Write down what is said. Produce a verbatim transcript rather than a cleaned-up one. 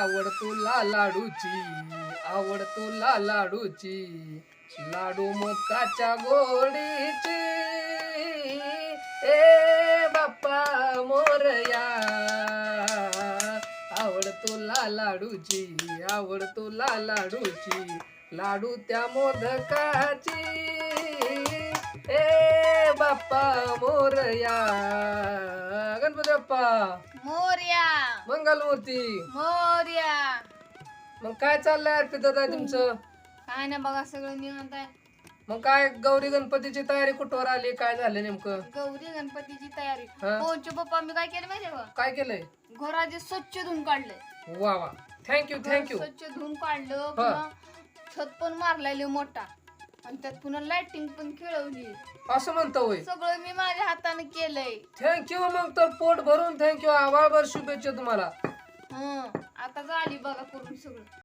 आवड तुला लाडूची, आवड तुला लाडूची, लाडू मकाच्या गोडीची. ए बाप्पा मोरया, आवड तुला लाडूची, आवड तुला लाडूची, लाडू त्या मोदकाची. ए बाप्पा मोरया, गणपती बाप्पा मोर्या मंगलमूर्ती. मोर्या. मग काय चाललंय अर्पित दादा तुमचं? काय ना बघा सगळं निवांत आहे. मग काय गौरी गणपतीची तयारी कुठवर आली, काय झालं नेमकं? गौरी गणपतीची तयारी. हा. पोहचे पप्पा मी काय केलं माहितीये का? काय केलंय? घराचे स्वच्छ धुवून काढलंय. वा वा, थँक्यू घर थँक्यू. स्वच्छ धुवून काढलं. पुन्हा छत पण मारलेले मोठा आणि त्यात पुन्हा लाइटिंग पण खेळवली. असं म्हणतो होय. सगळं मी माझ्या हाताने केलंय. थँक्यू. मग तर पोट भरून थँक्यू. आभाळभर शुभेच्छा तुम्हाला. हं आता झाली बघा करून सगळं.